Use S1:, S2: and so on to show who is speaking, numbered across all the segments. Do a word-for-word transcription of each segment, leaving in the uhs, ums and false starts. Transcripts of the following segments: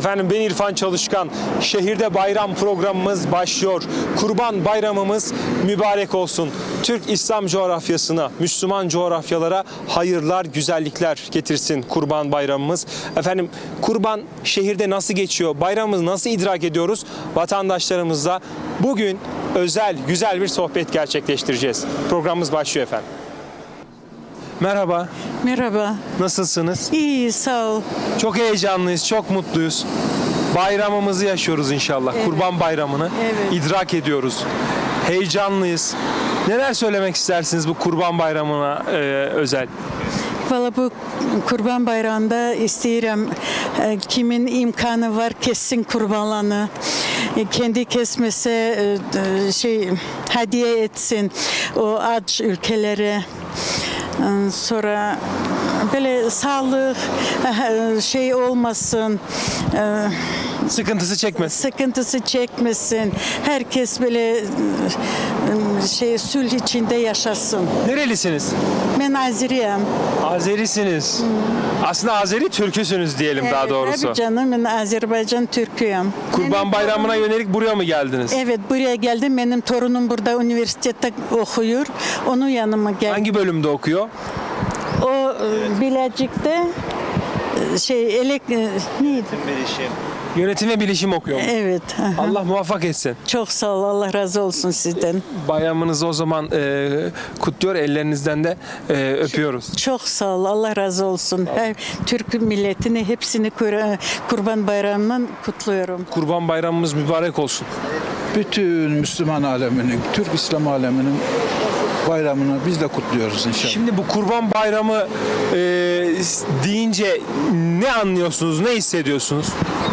S1: Efendim ben İrfan Çalışkan. Şehirde bayram programımız başlıyor. Kurban bayramımız mübarek olsun. Türk İslam coğrafyasına, Müslüman coğrafyalara hayırlar, güzellikler getirsin kurban bayramımız. Efendim kurban şehirde nasıl geçiyor? Bayramımızı nasıl idrak ediyoruz? Vatandaşlarımızla bugün özel, güzel bir sohbet gerçekleştireceğiz. Programımız başlıyor efendim. Merhaba.
S2: Merhaba.
S1: Nasılsınız?
S2: İyi, sağ ol.
S1: Çok heyecanlıyız, çok mutluyuz. Bayramımızı yaşıyoruz inşallah.
S2: Evet.
S1: Kurban bayramını
S2: Evet.
S1: idrak ediyoruz. Heyecanlıyız. Neler söylemek istersiniz bu kurban bayramına e, özel?
S2: Valla bu Kurban Bayramı'nda isteyirim e, kimin imkanı var kessin kurbanlarını. E, kendi kesmese e, e, şey hediye etsin o aç ülkelere. E, Sonra böyle sağlık e, şey olmasın. E,
S1: Sıkıntısı çekmesin.
S2: sıkıntısı çekmesin. Herkes böyle e, şey sulh içinde yaşasın.
S1: Nerelisiniz?
S2: Ben Azeriyim.
S1: Azerisiniz. Aslında Azeri Türküsünüz diyelim daha doğrusu.
S2: Tabii canım, ben Azerbaycan Türküyüm.
S1: Kurban
S2: Benim
S1: bayramına
S2: torunum-
S1: yönelik buraya mı geldiniz?
S2: Evet, buraya geldim. Benim torunum burada üniversitede okuyor. Onun yanıma geldim.
S1: Hangi bölümde okuyor?
S2: O e, Bilecik'te e, şey elek e, neydi?
S1: Yönetim ve bilişim okuyor.
S2: Evet. aha.
S1: Allah muvaffak etsin.
S2: Çok sağ ol. Allah razı olsun sizden.
S1: Bayramınızı o zaman e, kutluyor, ellerinizden de e, öpüyoruz.
S2: Çok sağ ol. Allah razı olsun. Her Türk milletini hepsini kur- Kurban Bayramı'ndan kutluyorum.
S1: Kurban bayramımız mübarek olsun.
S3: Bütün Müslüman aleminin, Türk İslam aleminin bayramını biz de kutluyoruz inşallah.
S1: Şimdi bu Kurban Bayramı e, deyince ne anlıyorsunuz, ne hissediyorsunuz?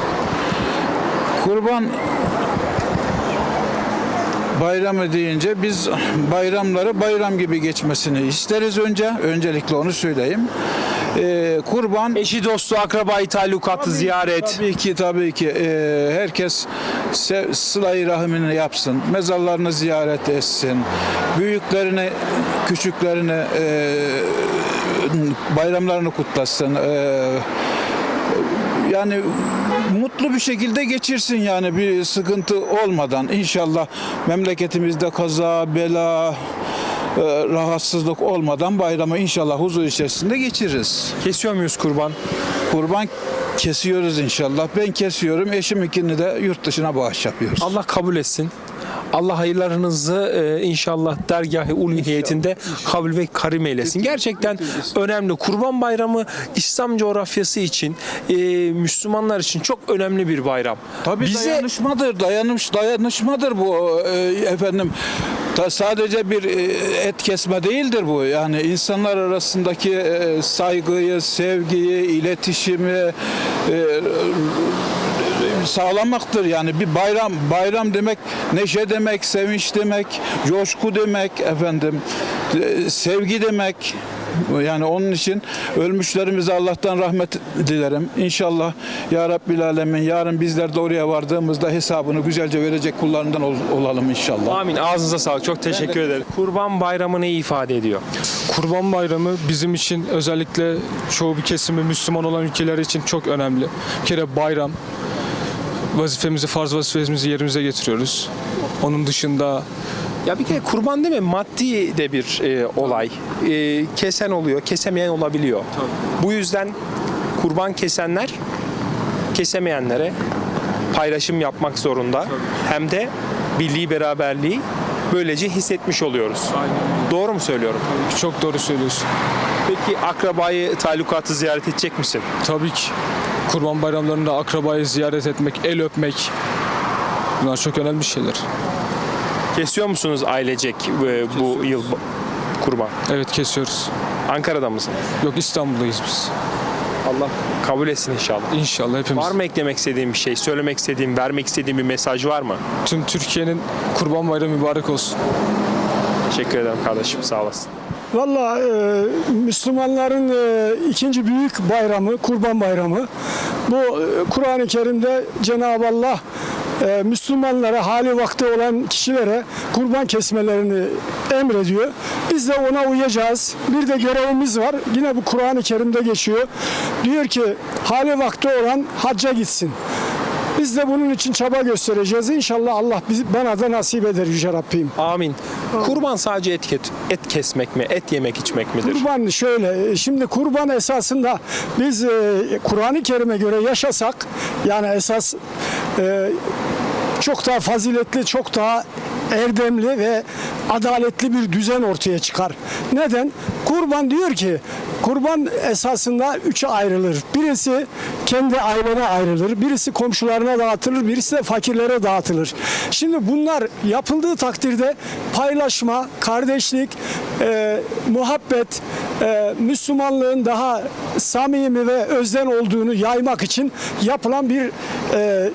S3: Kurban bayramı deyince biz bayramları bayram gibi geçmesini isteriz önce. Öncelikle onu söyleyeyim. Ee, kurban
S1: Eşi, dostu, akrabayı, talukatı, ziyaret.
S3: Tabii ki tabii ki Ee, herkes se- sıla-i rahmini yapsın. Mezarlarını ziyaret etsin. Büyüklerini, küçüklerini e, bayramlarını kutlasın. Ee, yani mutlu bir şekilde geçirsin yani bir sıkıntı olmadan. İnşallah memleketimizde kaza, bela, e, rahatsızlık olmadan bayramı inşallah huzur içerisinde geçiririz.
S1: Kesiyor muyuz kurban?
S3: Kurban kesiyoruz inşallah. Ben kesiyorum. Eşiminkini de yurt dışına bağış yapıyoruz.
S1: Allah kabul etsin. Allah hayırlarınızı e, inşallah dergâh-ı uluhiyetinde kabul ve karim eylesin. Gerçekten önemli. Kurban Bayramı İslam coğrafyası için, e, Müslümanlar için çok önemli bir bayram.
S3: Tabii
S1: Bize
S3: dayanışmadır, dayanış, dayanışmadır bu e, efendim. Ta sadece bir e, et kesme değildir bu. Yani insanlar arasındaki e, saygıyı, sevgiyi, iletişimi e, sağlamaktır. Yani bir bayram, bayram demek neşe demek, sevinç demek, coşku demek, efendim, e, sevgi demek. Yani onun için ölmüşlerimize Allah'tan rahmet dilerim. İnşallah ya Rabbil Alemin yarın bizler de oraya vardığımızda hesabını güzelce verecek kullarından ol- olalım inşallah.
S1: amin. Ağzınıza sağlık. Çok teşekkür ederim. Kurban Bayramı neyi ifade ediyor?
S4: Kurban Bayramı bizim için özellikle çoğu bir kesimi Müslüman olan ülkeler için çok önemli. Bir kere bayram, vazifemizi, farz vazifemizi yerimize getiriyoruz. Onun dışında
S1: Ya bir kere kurban değil mi? Maddi de bir e, olay. E, kesen oluyor, kesemeyen olabiliyor. Bu yüzden kurban kesenler kesemeyenlere paylaşım yapmak zorunda. Hem de birliği, beraberliği böylece hissetmiş oluyoruz. Doğru mu söylüyorum?
S4: çok doğru söylüyorsun.
S1: Peki akrabayı, talukatı ziyaret edecek misin?
S4: Tabii ki Kurban Bayramlarında akrabayı ziyaret etmek, el öpmek bunlar çok önemli şeyler.
S1: Kesiyor musunuz ailecek e, bu yıl kurban?
S4: Evet, kesiyoruz.
S1: Ankara'da mısın?
S4: Yok, İstanbul'dayız biz.
S1: Allah kabul etsin inşallah.
S4: İnşallah hepimiz.
S1: Var mı eklemek istediğin bir şey, söylemek istediğin, vermek istediğin bir mesaj var mı?
S4: Tüm Türkiye'nin Kurban Bayramı mübarek olsun.
S1: Teşekkür ederim kardeşim, sağ olasın.
S5: Valla e, Müslümanların e, ikinci büyük bayramı, Kurban Bayramı. Bu e, Kur'an-ı Kerim'de Cenab-ı Allah e, Müslümanlara, hali vakti olan kişilere kurban kesmelerini emrediyor. Biz de ona uyacağız. Bir de görevimiz var. Yine bu Kur'an-ı Kerim'de geçiyor. Diyor ki hali vakti olan hacca gitsin. Biz de bunun için çaba göstereceğiz. İnşallah Allah bizi, bana da nasip eder Yüce Rabbim.
S1: Amin. Kurban sadece et, et, et kesmek mi, et yemek içmek midir?
S5: Kurban şöyle, şimdi kurban esasında biz e, Kur'an-ı Kerim'e göre yaşasak, yani esas e, çok daha faziletli, çok daha erdemli ve adaletli bir düzen ortaya çıkar. Neden? Kurban diyor ki, kurban esasında üçe ayrılır. Birisi kendi ailene ayrılır, birisi komşularına dağıtılır, birisi de fakirlere dağıtılır. Şimdi bunlar yapıldığı takdirde paylaşma, kardeşlik, e, muhabbet, e, Müslümanlığın daha samimi ve özden olduğunu yaymak için yapılan bir e,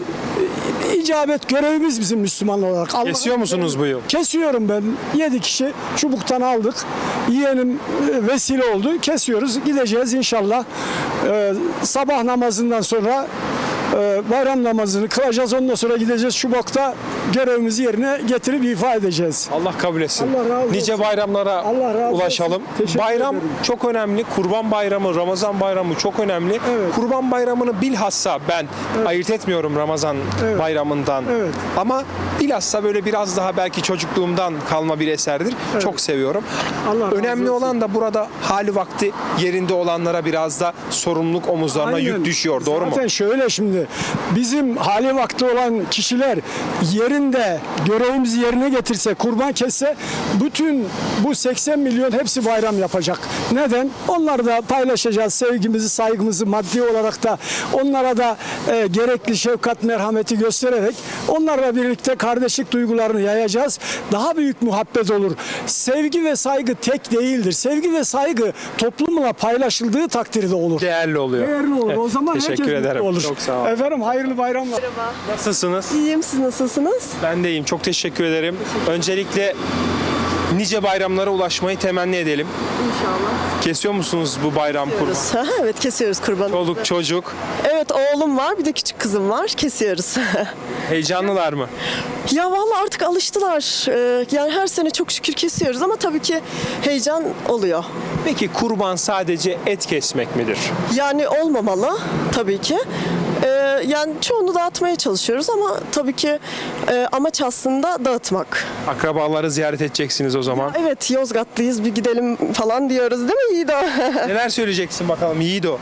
S5: icabet görevimiz bizim Müslümanlar olarak. Allah'ın
S1: Kesiyor musunuz bu yıl?
S5: Kesiyorum ben. Yedi kişi çubuktan aldık. Yeğenim e, vesile oldu. Kesiyoruz. Gideceğiz inşallah. Ee, sabah namazından sonra e, bayram namazını kılacağız. Ondan sonra gideceğiz Şubat'ta görevimizi yerine getirip ifa edeceğiz.
S1: Allah kabul etsin.
S5: Allah razı olsun.
S1: Nice bayramlara
S5: Allah razı olsun.
S1: ulaşalım.
S5: Teşekkür
S1: Bayram
S5: ederim.
S1: çok önemli. Kurban Bayramı, Ramazan Bayramı çok önemli.
S5: Evet.
S1: Kurban Bayramı'nı bilhassa ben ayırt etmiyorum Ramazan
S5: Evet.
S1: Bayramı'ndan.
S5: Evet.
S1: Ama bilhassa böyle biraz daha belki çocukluğumdan kalma bir eserdir. Çok seviyorum.
S5: Allah razı
S1: Önemli
S5: olsun.
S1: olan da burada hali vakti yerinde olanlara biraz da sorumluluk omuzlarına
S5: Aynen.
S1: yük düşüyor. Doğru mu?
S5: Zaten şöyle şimdi bizim hali vakti olan kişiler yerinde görevimizi yerine getirse, kurban kesse bütün bu seksen milyon hepsi bayram yapacak. Neden? Onları da paylaşacağız. Sevgimizi, saygımızı maddi olarak da onlara da e, gerekli şefkat, merhameti göstererek onlarla birlikte kardeşlik duygularını yayacağız. Daha büyük muhabbet olur. Sevgi ve saygı tek değildir. Sevgi ve saygı toplumla paylaşıldığı takdirde olur.
S1: Değerli oluyor.
S5: Değerli olur. O
S1: Evet,
S5: zaman
S1: teşekkür
S5: herkes mutlu
S1: ederim.
S5: olur.
S1: Çok sağ olun.
S5: Efendim hayırlı bayramlar.
S1: Nasılsınız?
S6: İyiyim, siz nasılsınız?
S1: Ben de iyiyim. Çok teşekkür ederim. Öncelikle nice bayramlara ulaşmayı temenni edelim.
S6: İnşallah.
S1: Kesiyor musunuz bu bayram kurban?
S6: Evet, kesiyoruz kurbanı.
S1: Çoluk çocuk
S6: Evet, oğlum var, bir de küçük kızım var. Kesiyoruz.
S1: heyecanlılar mı?
S6: Ya vallahi artık alıştılar. Ee, yani her sene çok şükür kesiyoruz ama tabii ki heyecan oluyor.
S1: Peki kurban sadece et kesmek midir?
S6: Yani olmamalı tabii ki. Ee, yani çoğunu dağıtmaya çalışıyoruz ama tabii ki e, amaç aslında dağıtmak.
S1: Akrabaları ziyaret edeceksiniz o zaman.
S6: Evet, Yozgatlıyız, bir gidelim falan diyoruz değil mi Yiğido?
S1: Neler söyleyeceksin bakalım Yiğido?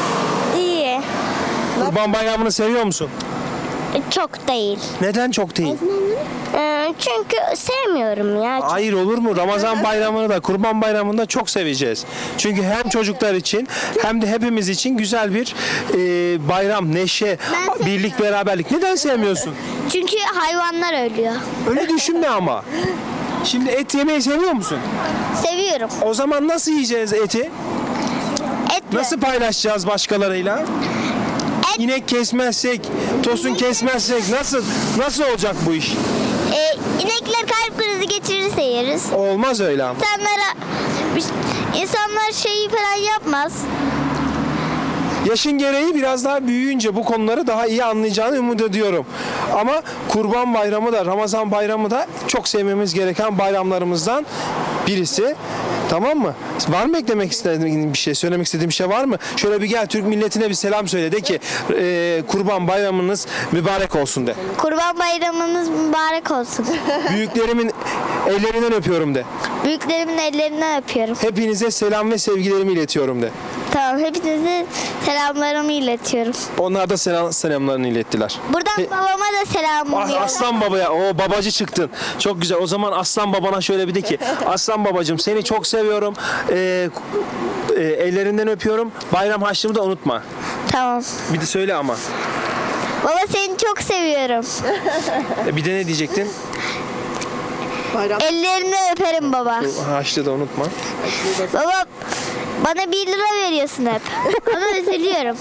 S7: İyi.
S1: Kurban bayramını seviyor musun?
S7: Çok değil.
S1: Neden çok değil?
S7: Ee, çünkü sevmiyorum ya.
S1: Hayır olur mu? Ramazan bayramını da kurban bayramını da çok seveceğiz. Çünkü hem çocuklar için hem de hepimiz için güzel bir e, bayram, neşe,
S7: Ben
S1: birlik,
S7: sevmiyorum.
S1: beraberlik. Neden sevmiyorsun?
S7: Çünkü hayvanlar ölüyor.
S1: Öyle düşünme ama. Şimdi et yemeyi seviyor musun?
S7: Seviyorum.
S1: O zaman nasıl yiyeceğiz eti?
S7: Etle.
S1: Nasıl paylaşacağız başkalarıyla?
S7: Et.
S1: İnek kesmezsek, tosun kesmezsek nasıl nasıl olacak bu iş?
S7: Ee, inekler kalp krizi geçirirse yeriz.
S1: Olmaz öyle ama.
S7: İnsanlara, insanlar şeyi falan yapmaz.
S1: Yaşın gereği biraz daha büyüyünce bu konuları daha iyi anlayacağını umut ediyorum. Ama Kurban Bayramı da Ramazan Bayramı da çok sevmemiz gereken bayramlarımızdan birisi. Tamam mı? Var mı eklemek istediğin bir şey, söylemek istediğin bir şey var mı? Şöyle bir gel Türk milletine bir selam söyle de ki e, Kurban Bayramınız mübarek olsun de.
S7: Kurban bayramınız mübarek olsun.
S1: Büyüklerimin ellerinden öpüyorum de.
S7: Büyüklerimin ellerinden öpüyorum.
S1: Hepinize selam ve sevgilerimi iletiyorum de.
S7: Tamam, hepinize selamlarımı iletiyorum.
S1: Onlar da selam, selamlarını ilettiler.
S7: Buradan
S1: He-
S7: babama da selamımı
S1: Ah,
S7: iletiyorum.
S1: Aslan babaya, o babacı çıktın. Çok güzel. O zaman Aslan babana şöyle bir de ki, Aslan babacığım seni çok seviyorum. Ee, e, ellerinden öpüyorum. Bayram harçlığımı da unutma.
S7: Tamam.
S1: Bir de söyle ama.
S7: Baba seni çok seviyorum.
S1: E, bir de ne diyecektin?
S6: Bayram.
S7: Ellerini öperim baba.
S1: Harçlığı da unutma.
S7: Baba bana bir lira veriyorsun hep. Ona üzülüyorum.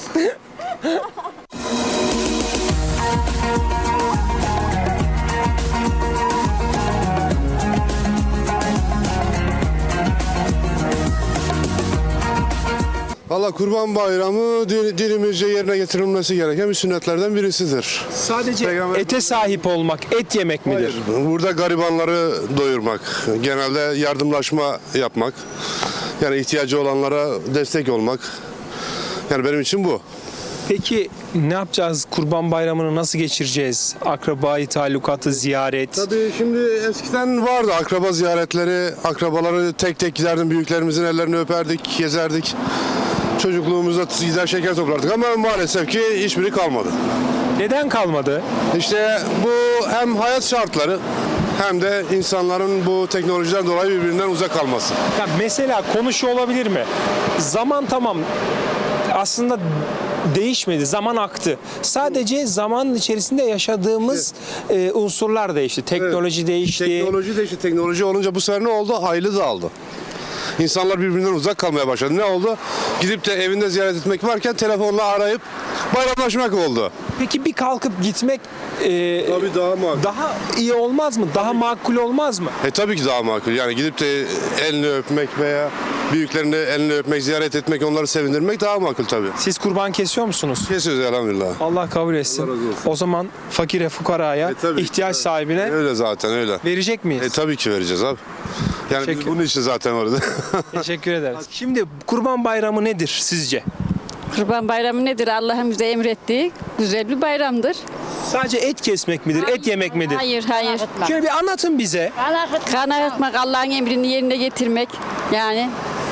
S8: Valla Kurban Bayramı din- dinimizce yerine getirilmesi gereken bir sünnetlerden birisidir.
S1: Sadece
S8: Peygamber-
S1: ete sahip olmak, et yemek midir?
S8: Burada garibanları doyurmak, genelde yardımlaşma yapmak, yani ihtiyacı olanlara destek olmak. Yani benim için bu.
S1: Peki ne yapacağız? Kurban Bayramı'nı nasıl geçireceğiz? Akrabayı, talukatı, ziyaret.
S8: Tabii şimdi eskiden vardı akraba ziyaretleri, akrabaları tek tek giderdim, büyüklerimizin ellerini öperdik, gezerdik. Çocukluğumuzda gider şeker toplardık ama maalesef ki hiçbiri kalmadı.
S1: Neden kalmadı?
S8: İşte bu hem hayat şartları hem de insanların bu teknolojiden dolayı birbirinden uzak kalması.
S1: Ya mesela konu şu olabilir mi? Zaman tamam aslında değişmedi. Zaman aktı. Sadece zamanın içerisinde yaşadığımız e, unsurlar değişti. Teknoloji değişti.
S8: Teknoloji değişti. Teknoloji olunca bu sefer ne oldu? Haylı dağıldı. İnsanlar birbirinden uzak kalmaya başladı. Ne oldu? Gidip de evinde ziyaret etmek varken telefonla arayıp bayramlaşmak oldu.
S1: Peki bir kalkıp gitmek e,
S8: Tabii daha makul.
S1: daha iyi olmaz mı? Daha makul olmaz mı?
S8: E tabii ki daha makul. Yani gidip de elini öpmek veya büyüklerini elini öpmek, ziyaret etmek, onları sevindirmek daha makul tabii.
S1: Siz kurban kesiyor musunuz?
S8: Kesiyoruz elhamdülillah.
S1: Allah kabul etsin.
S8: Allah razı olsun.
S1: O zaman fakire, fukaraya,
S8: E, tabii.
S1: ihtiyaç sahibine
S8: Öyle zaten öyle.
S1: verecek miyiz?
S8: E tabii ki vereceğiz abi. Yani biz
S1: Teşekkür-
S8: bunun için zaten orada.
S1: Teşekkür ederiz. Şimdi Kurban Bayramı nedir sizce?
S9: Kurban Bayramı nedir? Allah'ın bize emrettiği güzel bir bayramdır.
S1: Sadece et kesmek midir? Et yemek midir?
S9: Hayır, hayır.
S1: Şöyle bir anlatın bize.
S9: Kan akıtmak, Allah'ın emrini yerine getirmek. Yani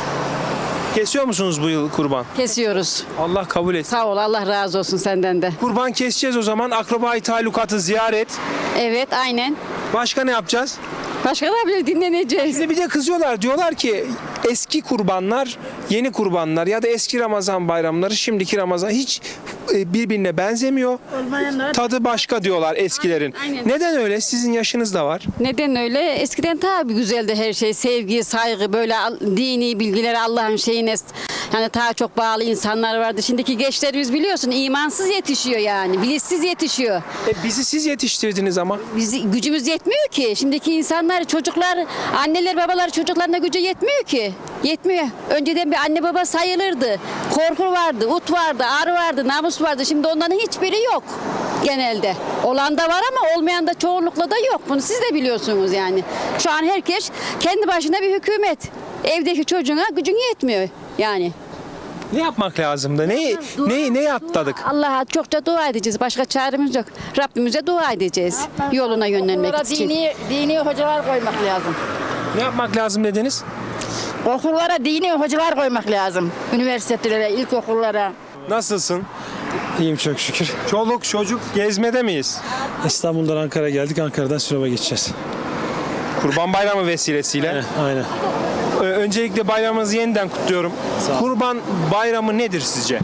S1: Kesiyor musunuz bu yıl kurban?
S9: kesiyoruz.
S1: Allah kabul etsin.
S9: Sağ ol, Allah razı olsun senden de.
S1: Kurban keseceğiz o zaman. Akrabayı, talukatı ziyaret.
S9: Evet, aynen.
S1: Başka ne yapacağız?
S9: Başka da bile dinleneceğiz.
S1: Bize bir de kızıyorlar. Diyorlar ki eski kurbanlar, yeni kurbanlar ya da eski Ramazan bayramları, şimdiki Ramazan hiç e, birbirine benzemiyor. Tadı başka diyorlar eskilerin.
S9: Aynen.
S1: Neden öyle? Sizin yaşınız da var.
S9: Neden öyle? Eskiden tabii güzeldi her şey. Sevgi, saygı, böyle al- dini bilgiler, Allah'ın şeyine yani daha çok bağlı insanlar vardı. Şimdiki gençlerimiz biliyorsun imansız yetişiyor yani. Bilinçsiz yetişiyor.
S1: E, bizi siz yetiştirdiniz ama.
S9: Biz, gücümüz yetmiyor ki. Şimdiki insanlar, çocuklar, anneler, babalar çocuklarına gücü yetmiyor ki. Yetmiyor. Önceden bir anne baba sayılırdı. Korku vardı, ut vardı, ağrı vardı, namus vardı. Şimdi onların hiçbiri yok genelde. Olan da var ama olmayan da çoğunlukla da yok. Bunu siz de biliyorsunuz yani. Şu an herkes kendi başına bir hükümet. Evdeki çocuğuna gücün yetmiyor yani.
S1: Ne yapmak lazımdı? Ne ne ne atladık?
S9: Allah'a çokça dua edeceğiz. Başka çaremiz yok. Rabbimize dua edeceğiz. Yoluna yönlenmek için.
S10: Dini, dini hocalar koymak lazım.
S1: Ne yapmak lazım dediniz?
S10: Okullara dini hocalar koymak lazım. Üniversitelere, ilkokullara.
S1: Nasılsın?
S11: İyiyim çok şükür.
S1: Çoluk çocuk gezmede miyiz?
S11: İstanbul'dan Ankara'ya geldik. Ankara'dan Sinop'a geçeceğiz.
S1: Kurban Bayramı vesilesiyle.
S11: Aynen.
S1: Ö- Öncelikle bayramınızı yeniden kutluyorum. Kurban Bayramı nedir sizce?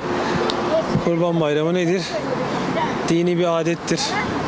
S11: Kurban Bayramı nedir? Dini bir adettir.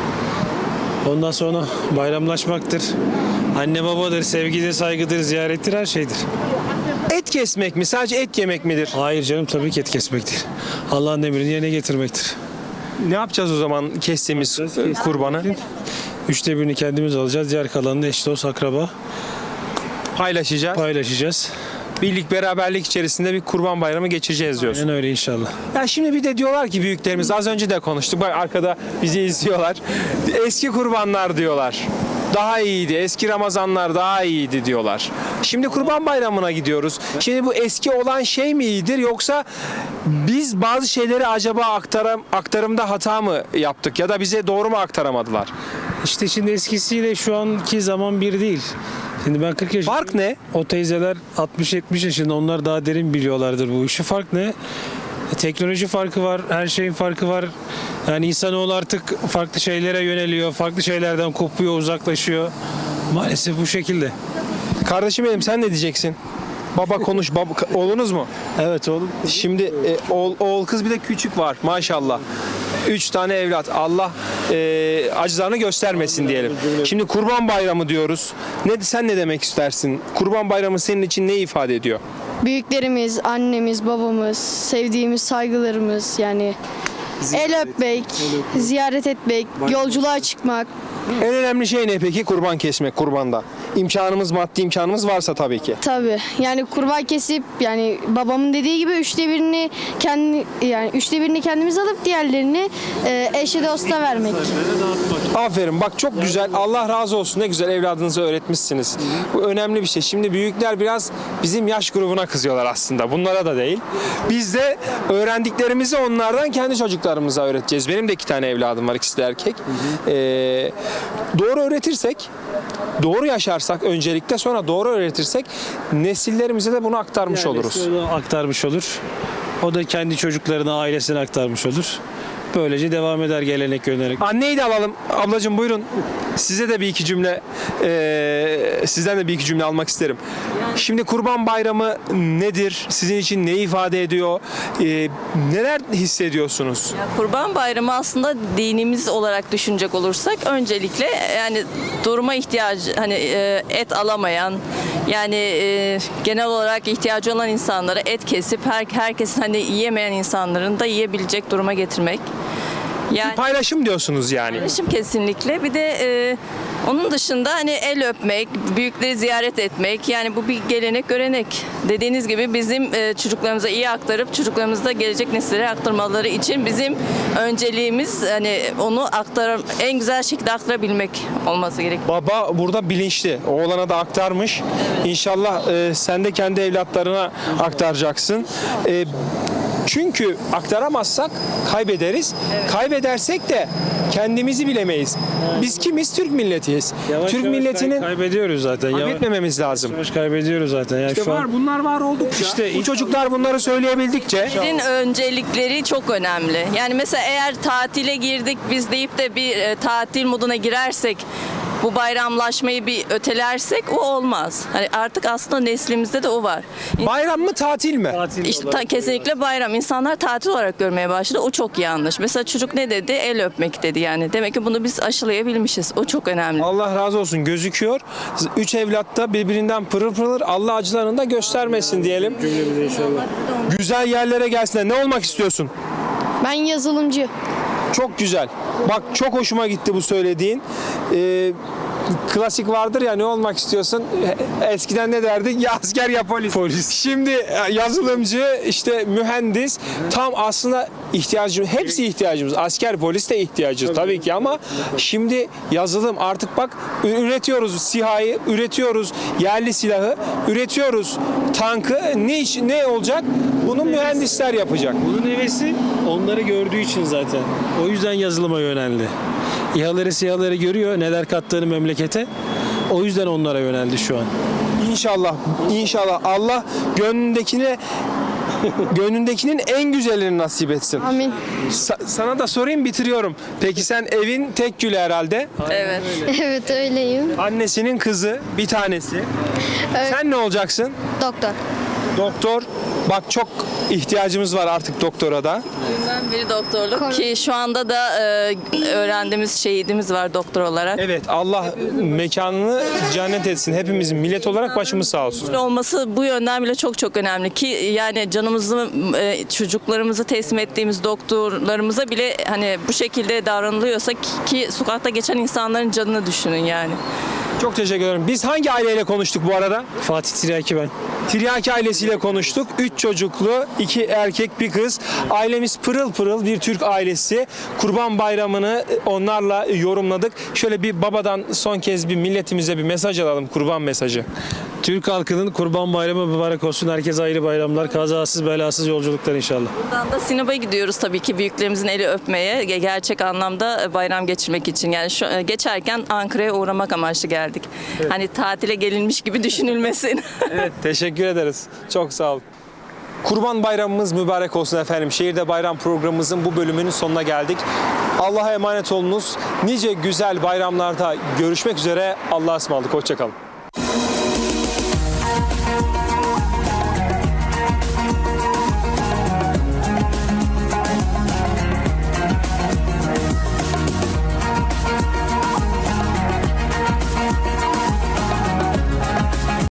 S11: Ondan sonra bayramlaşmaktır. Anne babadır, sevgidir, saygıdır, ziyarettir, her şeydir.
S1: Et kesmek mi? Sadece et yemek midir?
S11: Hayır canım, tabii ki et kesmektir. Allah'ın emrini yerine getirmektir.
S1: Ne yapacağız o zaman kestiğimiz e, kurbanı?
S11: Üçte birini kendimiz alacağız. Diğer kalanını eş dost akraba
S1: Paylaşacağız.
S11: paylaşacağız.
S1: Birlik beraberlik içerisinde bir kurban bayramı geçireceğiz diyorsun.
S11: Yani öyle inşallah.
S1: Ya şimdi bir de diyorlar ki büyüklerimiz, az önce de konuştuk. Bak arkada bizi izliyorlar. Eski kurbanlar diyorlar. Daha iyiydi. Eski Ramazanlar daha iyiydi diyorlar. Şimdi Kurban Bayramı'na gidiyoruz. Şimdi bu eski olan şey mi iyidir yoksa biz bazı şeyleri acaba aktaram, aktarımda hata mı yaptık ya da bize doğru mu aktaramadılar?
S11: İşte şimdi eskisiyle şu anki zaman bir değil. Şimdi ben kırk yaşındayım.
S1: Fark ne?
S11: O teyzeler altmış yetmiş yaşında, onlar daha derin biliyorlardır bu işi. Fark ne? E, Teknoloji farkı var, her şeyin farkı var. Yani insanoğlu artık farklı şeylere yöneliyor, farklı şeylerden kopuyor, uzaklaşıyor. Maalesef bu şekilde.
S1: Kardeşim benim, sen ne diyeceksin? Baba konuş. Baba, oğlunuz mu?
S11: Evet oğlum.
S1: Şimdi e, oğul, oğul kız bir de küçük var maşallah. Üç tane evlat. Allah e, acılarını göstermesin diyelim. Şimdi Kurban Bayramı diyoruz. Ne sen ne demek istersin? Kurban Bayramı senin için ne ifade ediyor?
S12: Büyüklerimiz, annemiz, babamız, sevdiğimiz saygılarımız yani el öpmek, ziyaret etmek, yolculuğa çıkmak.
S1: En önemli şey ne peki? Kurban kesmek kurbanda. İmkanımız, maddi imkanımız varsa tabii ki.
S12: Tabii yani kurban kesip yani babamın dediği gibi üçte birini kendi yani üçte birini kendimiz alıp diğerlerini e, eşe dosta vermek.
S1: Aferin, bak çok güzel. Allah razı olsun, ne güzel evladınızı öğretmişsiniz. Bu önemli bir şey. Şimdi büyükler biraz bizim yaş grubuna kızıyorlar aslında. Bunlara da değil. Biz de öğrendiklerimizi onlardan kendi çocuklarımıza öğreteceğiz. Benim de iki tane evladım var, ikisi de erkek. Ee, doğru öğretirsek, doğru yaşarsak öncelikle, sonra doğru öğretirsek nesillerimize de bunu aktarmış oluruz.
S11: Yani onu aktarmış olur. O da kendi çocuklarına, ailesine aktarmış olur. Böylece devam eder gelenek görenek.
S1: Anneyi de alalım. Ablacığım buyurun. Size de bir iki cümle, e, sizden de bir iki cümle almak isterim. Şimdi Kurban Bayramı nedir? Sizin için ne ifade ediyor? E, neler hissediyorsunuz?
S13: Kurban Bayramı aslında dinimiz olarak düşünecek olursak öncelikle yani duruma ihtiyacı, hani e, et alamayan, yani e, genel olarak ihtiyacı olan insanlara et kesip her, herkesin hani yiyemeyen insanların da yiyebilecek duruma getirmek. Yani
S1: Paylaşım diyorsunuz yani.
S13: paylaşım kesinlikle. Bir de e, onun dışında hani el öpmek, büyükleri ziyaret etmek, yani bu bir gelenek görenek. Dediğiniz gibi bizim e, çocuklarımıza iyi aktarıp çocuklarımızda gelecek nesillere aktarmaları için bizim önceliğimiz hani onu aktar en güzel şekilde aktarabilmek olması gerekiyor.
S1: Baba burada bilinçli. Oğlana da aktarmış. İnşallah e, sen de kendi evlatlarına aktaracaksın. E, çünkü aktaramazsak kaybederiz. Kaybedersek de kendimizi bilemeyiz. Biz kimiz? Türk milletiyiz.
S11: Yavaş
S1: Türk
S11: yavaş
S1: milletinin
S11: kaybediyoruz zaten. Yavaş
S1: kaybetmememiz lazım.
S11: yavaş kaybediyoruz zaten. Yani
S1: İşte
S11: şu
S1: var,
S11: an
S1: bunlar var oldukça. İşte bu çocuklar bunları söyleyebildikçe
S13: Din öncelikleri çok önemli. Yani mesela eğer tatile girdik biz deyip de bir e, tatil moduna girersek, bu bayramlaşmayı bir ötelersek o olmaz. Hani artık aslında neslimizde de o var.
S1: bayram mı tatil mi?
S13: İşte ta- kesinlikle bayram. İnsanlar tatil olarak görmeye başladı. O çok yanlış. Mesela çocuk ne dedi? El öpmek dedi yani. Demek ki bunu biz aşılayabilmişiz. O çok önemli.
S1: Allah razı olsun, gözüküyor. Üç evlat da birbirinden pırıl pırıl, Allah acılarını da göstermesin diyelim. Güzel yerlere gelsinler. Ne olmak istiyorsun?
S12: Ben yazılımcı.
S1: Çok güzel. Bak çok hoşuma gitti bu söylediğin. Ee, klasik vardır ya, ne olmak istiyorsun? Eskiden ne derdik? Ya asker ya polis. Polis. Şimdi yazılımcı, işte mühendis. Tam aslında ihtiyacımız, hepsi ihtiyacımız. Asker, polis de ihtiyacımız tabii ki ama şimdi yazılım artık bak üretiyoruz SİHA'yı, üretiyoruz yerli silahı, üretiyoruz tankı. Ne iş, ne olacak? Bunu mühendisler yapacak.
S11: bunun hevesi onları gördüğü için zaten. O yüzden yazılıma yöneldi. İHA'ları SİHA'ları görüyor, neler kattığını memlekete. O yüzden onlara yöneldi şu an.
S1: İnşallah, inşallah Allah gönlündekine gönlündekinin en güzelini nasip etsin.
S12: Amin.
S1: Sa- sana da sorayım, bitiriyorum. Peki sen evin tek gülü herhalde.
S13: Evet.
S12: Evet öyleyim.
S1: Annesinin kızı bir tanesi. Sen ne olacaksın?
S12: Doktor.
S1: Doktor. Bak çok ihtiyacımız var artık doktora da.
S13: Ben biri doktorluk ki şu anda da e, öğrendiğimiz şehidimiz var doktor olarak.
S1: Evet, Allah mekanını cennet etsin. Hepimizin millet olarak başımız sağ olsun.
S13: Olması bu yönden bile çok çok önemli ki yani canımızı e, çocuklarımızı teslim ettiğimiz doktorlarımıza bile hani bu şekilde davranılıyorsa ki, ki sokakta geçen insanların canını düşünün yani.
S1: Çok teşekkür ederim. Biz hangi aileyle konuştuk bu arada?
S11: Fatih Tiryaki ben.
S1: Tiryaki ailesiyle konuştuk. Üç çocuklu, iki erkek, bir kız. Ailemiz pırıl pırıl bir Türk ailesi. Kurban Bayramı'nı onlarla yorumladık. Şöyle bir babadan son kez bir milletimize bir mesaj alalım. Kurban mesajı.
S11: Türk halkının Kurban Bayramı mübarek olsun. Herkese ayrı bayramlar. Kazasız belasız yolculuklar inşallah.
S13: Buradan da Sinop'a gidiyoruz tabii ki büyüklerimizin eli öpmeye, ge- gerçek anlamda bayram geçirmek için. Yani şu, geçerken Ankara'ya uğramak amaçlı geldik. Hani tatile gelinmiş gibi düşünülmesin.
S1: Evet, teşekkür ederiz. Çok sağ olun. Kurban Bayramımız mübarek olsun efendim. Şehirde Bayram programımızın bu bölümünün sonuna geldik. Allah'a emanet olunuz. Nice güzel bayramlarda görüşmek üzere. Allah'a ısmarladık. Hoşça kalın.